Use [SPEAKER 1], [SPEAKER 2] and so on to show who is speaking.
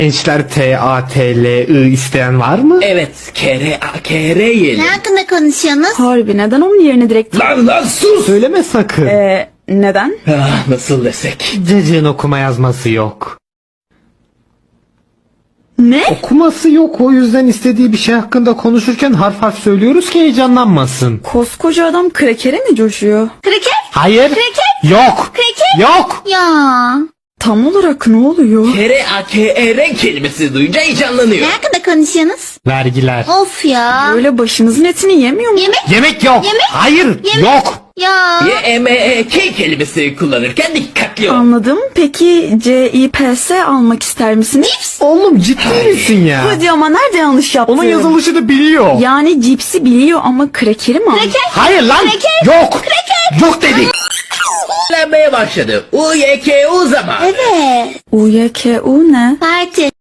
[SPEAKER 1] Gençler TATLI isteyen var mı?
[SPEAKER 2] Evet, kere yiyelim.
[SPEAKER 3] Ne hakkında konuşuyorsunuz?
[SPEAKER 4] Harbi neden onun yerine direkt...
[SPEAKER 2] Lan sus!
[SPEAKER 1] Söyleme sakın.
[SPEAKER 4] Neden?
[SPEAKER 2] Nasıl desek?
[SPEAKER 1] Cacığın okuma yazması yok.
[SPEAKER 4] Ne?
[SPEAKER 1] Okuması yok, o yüzden istediği bir şey hakkında konuşurken harf harf söylüyoruz ki heyecanlanmasın.
[SPEAKER 4] Koskoca adam krekere mi coşuyor?
[SPEAKER 3] Kraker?
[SPEAKER 1] Hayır. Yok.
[SPEAKER 3] Kraker?
[SPEAKER 1] Yok.
[SPEAKER 3] Ya.
[SPEAKER 4] Tam olarak ne oluyor?
[SPEAKER 2] Kere kelimesi duyunca heyecanlanıyor.
[SPEAKER 3] Ne hakkında konuşuyorsunuz?
[SPEAKER 1] Vergiler.
[SPEAKER 3] Of ya.
[SPEAKER 4] Böyle başınızın etini yemiyor mu?
[SPEAKER 3] Yemek?
[SPEAKER 1] Yemek yok.
[SPEAKER 3] Yemek?
[SPEAKER 1] Hayır. Yok.
[SPEAKER 3] Ya.
[SPEAKER 2] YMEK kelimesi kullanırken dikkatli ol.
[SPEAKER 4] Anladım. Peki CIPS almak ister misiniz?
[SPEAKER 1] Oğlum ciddi misin ya?
[SPEAKER 4] Hadi ama nerede yanlış yaptım?
[SPEAKER 1] Onun yazılışını biliyor.
[SPEAKER 4] Yani cipsi biliyor ama krekeri mi?
[SPEAKER 3] Kraker?
[SPEAKER 1] Hayır lan. Yok. Yok dedik.
[SPEAKER 2] Öğrenmeye başladı. UYKU zaman.
[SPEAKER 3] Evet.
[SPEAKER 4] UYKU ne?
[SPEAKER 3] Parti.